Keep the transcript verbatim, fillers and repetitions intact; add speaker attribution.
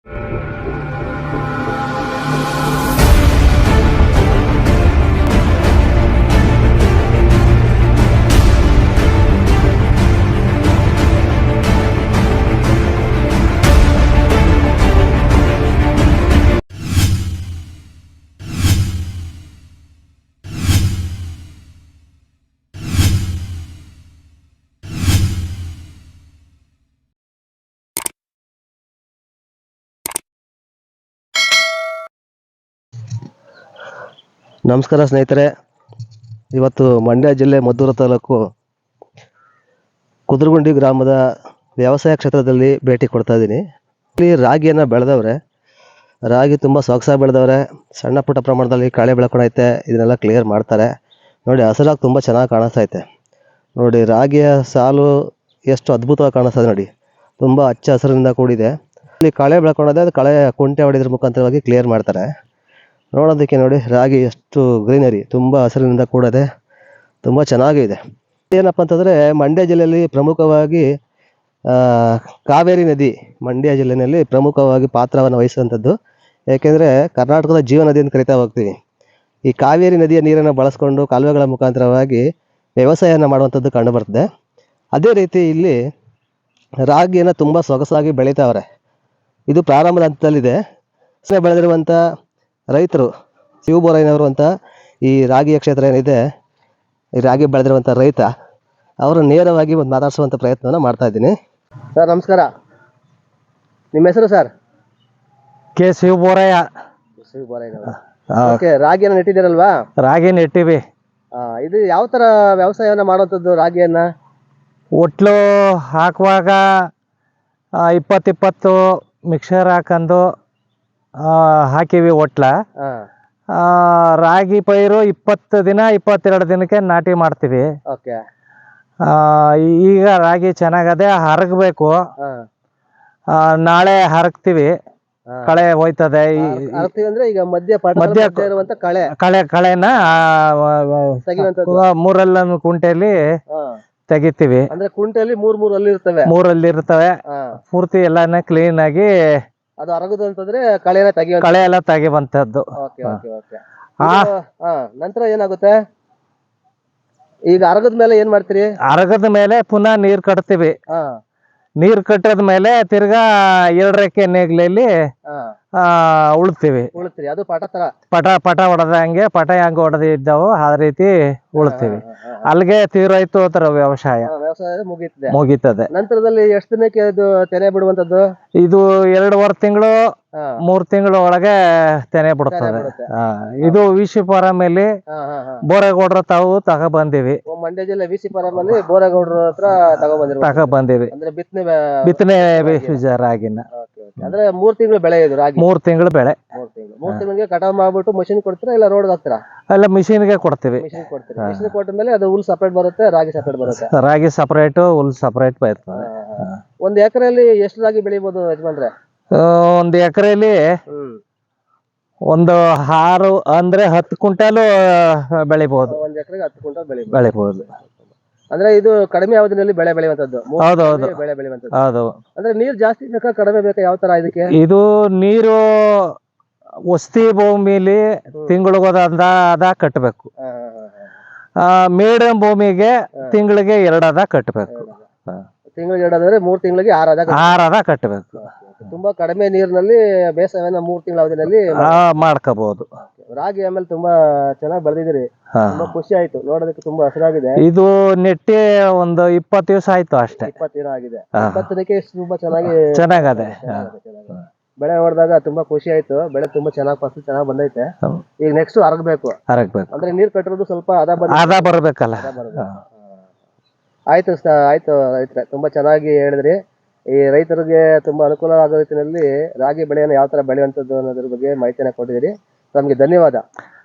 Speaker 1: ನಮಸ್ಕಾರ ಸ್ನೇಹಿತರೆ, ಇವತ್ತು ಮಂಡ್ಯ ಜಿಲ್ಲೆ ಮದ್ದೂರು ತಾಲೂಕು ಕುದ್ರಗುಂಡಿ ಗ್ರಾಮದ ವ್ಯವಸಾಯ ಕ್ಷೇತ್ರದಲ್ಲಿ ಭೇಟಿ ಕೊಡ್ತಾ ಇದ್ದೀನಿ. ಇಲ್ಲಿ ರಾಗಿಯನ್ನು ಬೆಳೆದವ್ರೆ, ರಾಗಿ ತುಂಬ ಸೊಗಸಾಗಿ ಬೆಳೆದವ್ರೆ. ಸಣ್ಣ ಪುಟ್ಟ ಪ್ರಮಾಣದಲ್ಲಿ ಕಳೆ ಬೆಳ್ಕೊಂಡೈತೆ, ಇದನ್ನೆಲ್ಲ ಕ್ಲಿಯರ್ ಮಾಡ್ತಾರೆ. ನೋಡಿ, ಹಸಿರಾಗಿ ತುಂಬ ಚೆನ್ನಾಗಿ ಕಾಣಿಸ್ತೈತೆ. ನೋಡಿ, ರಾಗಿಯ ಸಾಲು ಎಷ್ಟು ಅದ್ಭುತವಾಗಿ ಕಾಣಿಸ್ತದೆ. ನೋಡಿ, ತುಂಬ ಹಚ್ಚ ಹಸಿರಿನಿಂದ ಕೂಡಿದೆ. ಇಲ್ಲಿ ಕಳೆ ಬೆಳ್ಕೊಂಡದೆ, ಅದು ಕಳೆ ಕುಂಟೆ ಹೊಡೆದ್ರ ಮುಖಾಂತರವಾಗಿ ಕ್ಲಿಯರ್ ಮಾಡ್ತಾರೆ. ನೋಡೋದಕ್ಕೆ ನೋಡಿ, ರಾಗಿ ಎಷ್ಟು ಗ್ರೀನರಿ, ತುಂಬ ಹಸಿರಿನಿಂದ ಕೂಡದೆ, ತುಂಬ ಚೆನ್ನಾಗಿದೆ. ಏನಪ್ಪ ಅಂತಂದರೆ, ಮಂಡ್ಯ ಜಿಲ್ಲೆಯಲ್ಲಿ ಪ್ರಮುಖವಾಗಿ ಕಾವೇರಿ ನದಿ ಮಂಡ್ಯ ಜಿಲ್ಲೆಯಲ್ಲಿ ಪ್ರಮುಖವಾಗಿ ಪಾತ್ರವನ್ನು ವಹಿಸುವಂಥದ್ದು. ಏಕೆಂದರೆ ಕರ್ನಾಟಕದ ಜೀವ ನದಿ ಅಂತ ಕರಿತಾ ಹೋಗ್ತೀವಿ. ಈ ಕಾವೇರಿ ನದಿಯ ನೀರನ್ನು ಬಳಸ್ಕೊಂಡು ಕಾಲುವೆಗಳ ಮುಖಾಂತರವಾಗಿ ವ್ಯವಸಾಯವನ್ನು ಮಾಡುವಂಥದ್ದು ಕಂಡುಬರ್ತದೆ. ಅದೇ ರೀತಿ ಇಲ್ಲಿ ರಾಗಿಯನ್ನು ತುಂಬ ಸೊಗಸಾಗಿ ಬೆಳೀತಾವ್ರೆ. ಇದು ಪ್ರಾರಂಭದ ಹಂತದಲ್ಲಿದೆ. ಬೆಳೆದಿರುವಂಥ ರೈತರು ಶಿವಬೋರಯ್ಯನವರು ಅಂತ ಈ ರಾಗಿಯ ಕ್ಷೇತ್ರ ಏನಿದೆ, ಈ ರಾಗಿ ಬೆಳೆದಿರುವಂಥ ರೈತ ಅವರು ನೇರವಾಗಿ ಒಂದು ಮಾತಾಡಿಸುವಂಥ ಪ್ರಯತ್ನವನ್ನು ಮಾಡ್ತಾ ಇದ್ದೀನಿ. ಸರ್ ನಮಸ್ಕಾರ, ನಿಮ್ಮ ಹೆಸರು ಸರ್?
Speaker 2: ಕೆ ಶಿವಬೋರಯ್ಯ.
Speaker 1: ಶಿವಬೋರಯ್ಯನವರು. ಓಕೆ, ರಾಗಿಯನ್ನು ನೆಟ್ಟಿದ್ದೀರಲ್ವಾ?
Speaker 2: ರಾಗಿ ನೆಟ್ಟಿವಿ.
Speaker 1: ಇದು ಯಾವ ಥರ ವ್ಯವಸಾಯವನ್ನು ಮಾಡುವಂಥದ್ದು ರಾಗಿಯನ್ನು?
Speaker 2: ಒಟ್ಲು ಹಾಕುವಾಗ ಇಪ್ಪತ್ತಿಪ್ಪತ್ತು ಮಿಕ್ಸರ್ ಹಾಕೊಂಡು ಹಾಕಿವಿ ಒಟ್ಲ. ರಾಗಿ ಪೈರು ಇಪ್ಪತ್ತು ದಿನ ಇಪ್ಪತ್ತೆರಡು ದಿನಕ್ಕೆ ನಾಟಿ ಮಾಡ್ತೀವಿ.
Speaker 1: ಓಕೆ.
Speaker 2: ಈಗ ರಾಗಿ ಚೆನ್ನಾಗದೆ, ಹರಗಬೇಕು. ನಾಳೆ ಹರಗ್ತೀವಿ, ಕಳೆ ಹೋಯ್ತದೆ.
Speaker 1: ಈಗ ಮಧ್ಯ ಮಧ್ಯ ಕಳೆ
Speaker 2: ಕಳೆ ಕಳೆನ ಮೂರಲ್ಲ ಕುಂಟೆಯಲ್ಲಿ ತೆಗಿತೀವಿ.
Speaker 1: ಅಂದ್ರೆ ಕುಂಟೆಯಲ್ಲಿ ಮೂರ್ ಮೂರಲ್ಲಿ ಇರ್ತವೆ
Speaker 2: ಮೂರಲ್ಲಿ ಇರ್ತವೆ ಪೂರ್ತಿ ಎಲ್ಲಾನ ಕ್ಲೀನ್ ಆಗಿ
Speaker 1: ಅದು ಅರಗುದು ಅಂತಂದ್ರೆ ಕಳೆನ ತೆಗಿ
Speaker 2: ಕಳೆ ಎಲ್ಲ ತೆಗಿವಂತದ್ದು.
Speaker 1: ನಂತರ ಏನಾಗುತ್ತೆ? ಈಗ ಅರಗದ ಮೇಲೆ ಏನ್ ಮಾಡ್ತೀರಿ?
Speaker 2: ಅರಗದ ಮೇಲೆ ಪುನಃ ನೀರ್ ಕಟ್ತೀವಿ. ನೀರ್ ಕಟ್ಟದ ಮೇಲೆ ತಿರ್ಗಾ ಎರಡರಕ್ಕೆ ನೇಗ್ಲಲ್ಲಿ ಉಳ್ತೀವಿ.
Speaker 1: ಉಳ್ತೀರಿ, ಅದು ಪಟ ತರ
Speaker 2: ಪಟ ಪಟ ಹೊಡೆದಂಗೆ ಪಟ ಹೆಂಗ ಹೊಡೆದಿದ್ದಾವು ಆ ರೀತಿ ಉಳ್ತೀವಿ. ಅಲ್ಲಿಗೆ ತೀರೋಯ್ತು ಅದರ ವ್ಯವಸಾಯ
Speaker 1: ವ್ಯವಸಾಯ ಮುಗೀತದೆ
Speaker 2: ಮುಗೀತದೆ.
Speaker 1: ನಂತರದಲ್ಲಿ ಎಷ್ಟು ದಿನಕ್ಕೆ ಅದು ತೆನೆ ಬಿಡುವಂತದ್ದು?
Speaker 2: ಇದು ಎರಡೂವರೆ ತಿಂಗಳು ಮೂರ್ ತಿಂಗಳು ಒಳಗೆ ತೆನೆ ಬಿಡುತ್ತದೆ. ಇದು ವಿಸಿ ಫಾರಮಲ್ಲಿ ಬೋರೇಗೌಡ್ರ ತಾವು ತಗೋ ಬಂದಿವಿ.
Speaker 1: ಮಂಡ್ಯ ಜಿಲ್ಲೆ ವಿಸಿ ಫಾರಮಲ್ಲಿ ಬೋರೇಗೌಡ್ರ ಹತ್ರ ತಗೋ ಬಂದಿರಿ
Speaker 2: ತಗೋ ಬಂದಿವಿ.
Speaker 1: ಅಂದ್ರೆ ಬಿತ್ತನೆ
Speaker 2: ಬಿತ್ತನೆ ಬೀಜ ರಾಗಿನ.
Speaker 1: ಅಂದ್ರೆ ಮೂರ್ ತಿಂಗಳು ಬೆಳೆ ಇದು ರಾಗಿ?
Speaker 2: ಮೂರ್ ತಿಂಗಳು ಬೆಳೆ.
Speaker 1: ಮೂರ್ ತಿಂಗಳು ಮೂರ್ ತಿಂಗಳಿಗೆ ಕಟಾವ್ ಮಾಡ್ಬಿಟ್ಟು ಮಷಿನ್ ಕೊಡ್ತೀರಾ ಇಲ್ಲ ರೋಡ್ ಹಾಕ್ತೀರಾ?
Speaker 2: ಅಲ್ಲ, ಮಿಷಿನ್ಗೆ ಕೊಡ್ತೀವಿ.
Speaker 1: ಮಿಷಿನ್ ಕೊಡ್ತೀರಿ. ಮಿಷಿನ್ ಕೊಟ್ಟ ಮೇಲೆ ಅದು ಹುಲ್ ಸಪರೇಟ್ ಬರುತ್ತೆ, ರಾಗಿ ಸಪರೇಟ್ ಬರುತ್ತೆ.
Speaker 2: ರಾಗಿ ಸಪರೇಟ್, ಹುಲ್ ಸಪರೇಟ್ ಬರ್ತದೆ.
Speaker 1: ಒಂದ್ ಎಕರೆಯಲ್ಲಿ ಎಷ್ಟು ರಾಗಿ ಬೆಳಿಬಹುದು ಯಜಮಾನ್ರೆ?
Speaker 2: ಒಂದ್ ಎಕರೆಯಲ್ಲಿ ಒಂದು ಆರು ಅಂದ್ರೆ ಹತ್ತು ಕ್ವಿಂಟಾಲು ಬೆಳಿಬಹುದು.
Speaker 1: ಒಂದ್ ಎಕರೆಗೆ ಹತ್ತು ಕ್ವಿಂಟಾಲ್ ಬೆಳಿ
Speaker 2: ಬೆಳಿಬಹುದು.
Speaker 1: ಅಂದ್ರೆ ಇದು ಕಡಿಮೆ ಅವಧಿನಲ್ಲಿ ಬೆಳೆ ಬೆಳೆಯುವಂತದ್ದು?
Speaker 2: ಹೌದೌದು,
Speaker 1: ಬೆಳೆ ಬೆಳೆಯುವಂತದ್ದು.
Speaker 2: ಹೌದು.
Speaker 1: ಅಂದ್ರೆ ನೀರ್ ಜಾಸ್ತಿ ಬೇಕಾ ಕಡಿಮೆ ಬೇಕಾ, ಯಾವ ತರ ಇದಕ್ಕೆ?
Speaker 2: ಇದು ನೀರು ವಸ್ತಿ ಭೂಮಿಲಿ ತಿಂಗಳಿಗೋದ ಅದ ಕಟ್ಟಬೇಕು. ಮೇಡಮ್ ಭೂಮಿಗೆ ತಿಂಗಳಿಗೆ ಎರಡದ ಕಟ್ಟಬೇಕು.
Speaker 1: ತಿಂಗಳಿಗೆ ಎರಡಾದ್ರೆ ಮೂರ್ ತಿಂಗಳಿಗೆ ಆರದ
Speaker 2: ಆರದ ಕಟ್ಟಬೇಕು.
Speaker 1: ತುಂಬಾ ಕಡಿಮೆ ನೀರಿನಲ್ಲಿ ಬೇಸಾಯವನ್ನ ಮೂರ್ ತಿಂಗಳ ಅವಧಿನಲ್ಲಿ
Speaker 2: ಮಾಡ್ಕೋಬಹುದು.
Speaker 1: ರಾಗಿ ಆಮೇಲೆ ತುಂಬಾ ಚೆನ್ನಾಗಿ ಬೆಳೆದಿದ್ದೀರಿ, ತುಂಬಾ ಖುಷಿ ಆಯ್ತು ನೋಡೋದಕ್ಕೆ, ತುಂಬಾ ಹಸಿರಾಗಿದೆ.
Speaker 2: ಇದು ನೆಟ್ಟಿ ಒಂದು ಇಪ್ಪತ್ತು ದಿವಸ ಆಯ್ತು ಅಷ್ಟೇ.
Speaker 1: ಇಪ್ಪತ್ತು ದಿನ ಆಗಿದೆ. ಇಪ್ಪತ್ತು ದಿನಕ್ಕೆ ತುಂಬಾ ಚೆನ್ನಾಗಿ
Speaker 2: ಚೆನ್ನಾಗದೆ.
Speaker 1: ಬೆಳೆ ಹೊಡೆದಾಗ ತುಂಬಾ ಖುಷಿ ಆಯ್ತು. ಬೆಳೆ ತುಂಬಾ ಚೆನ್ನಾಗಿ ಫಸಲು ಚೆನ್ನಾಗಿ ಬಂದೈತೆ. ಈಗ ನೆಕ್ಸ್ಟ್ ಹರಗಬೇಕು.
Speaker 2: ಹರಗಬೇಕು
Speaker 1: ಅಂದ್ರೆ ನೀರ್ ಕಟ್ಟಿರೋದು ಸ್ವಲ್ಪ ಅದ
Speaker 2: ಅದ ಬರಬೇಕಲ್ಲ.
Speaker 1: ಆಯ್ತು ಆಯ್ತು ರೈತರೆ, ತುಂಬಾ ಚೆನ್ನಾಗಿ ಹೇಳಿದ್ರಿ. ಈ ರೈತರಿಗೆ ತುಂಬಾ ಅನುಕೂಲ ಆಗೋ ರೀತಿಯಲ್ಲಿ ರಾಗಿ ಬೆಳೆಯನ್ನು ಯಾವ ತರ ಬೆಳೆಯುವಂಥದ್ದು ಅನ್ನೋದ್ರ ಬಗ್ಗೆ ಮಾಹಿತಿಯನ್ನು ಕೊಟ್ಟಿದ್ದೀರಿ. ನಮಗೆ ಧನ್ಯವಾದ.